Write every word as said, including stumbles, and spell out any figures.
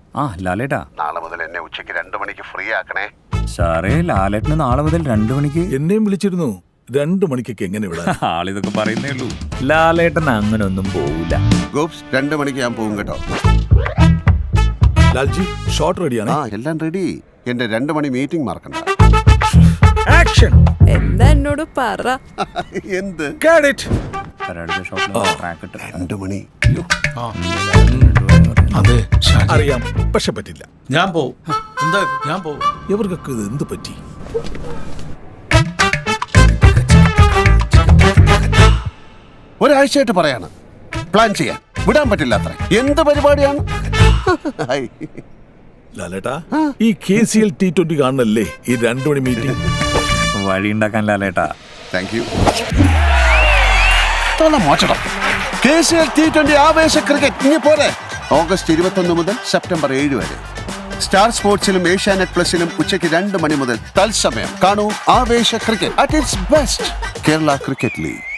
ആ ലാലേട്ടാ, നാളെ മുതൽ എന്നെ ഉച്ചയ്ക്ക് രണ്ടു മണിക്ക് ഫ്രീ ആക്കണേ. സാറേ ലാലേട്ടന് നാളെ മുതൽ രണ്ടു മണിക്ക്. എന്നെയും വിളിച്ചിരുന്നു. രണ്ടു മണിക്കൊക്കെ എങ്ങനെ വിടാം? ആളിതൊക്കെ പറയുന്നേ ഉള്ളൂ. ലാലേട്ടൻ അങ്ങനെ ഒന്നും പോവില്ല. ഗോപ്സ്, രണ്ടു മണിക്ക് ഞാൻ പോകും കേട്ടോ. ലാൽജി, ഷോട്ട് റെഡിയാണ്. ആ എല്ലാം റെഡി. എന്റെ രണ്ടു മണി മീറ്റിംഗ് മറക്കണ്ട. ആക്ഷൻ. എന്താ എന്നോട് പറ. എന്ത്? Get it. രണ്ടു മണി. അതെ അറിയാം, പക്ഷെ പറ്റില്ല. ഞാൻ പോവും. എന്താ ഞാൻ പോവും. ഇവർക്കൊക്കെ ഇത് എന്ത് പറ്റി? ഒരാഴ്ചയായിട്ട് പറയാണ് പ്ലാൻ ചെയ്യാൻ, വിടാൻ പറ്റില്ല. അത്ര എന്ത് പരിപാടിയാണ്? ലാലേട്ടാ, ഈ K C L T twenty കാണണല്ലേ ഈ രണ്ടു മണി മീറ്റിംഗ്? വഴി ഉണ്ടാക്കാൻ ലാലേട്ടാ. Thank you. മോശം K C L T twenty ആവേശ ക്രിക്കറ്റ് ഇനി പോരെ. ഓഗസ്റ്റ് ഇരുപത്തൊന്ന് മുതൽ സെപ്റ്റംബർ ഏഴ് വരെ സ്റ്റാർ സ്പോർട്സിലും ഏഷ്യാനെറ്റ് പ്ലസിലും ഉച്ചയ്ക്ക് രണ്ട് മണി മുതൽ തത്സമയം കാണൂ ആവേശ cricket at its best. Kerala cricket league.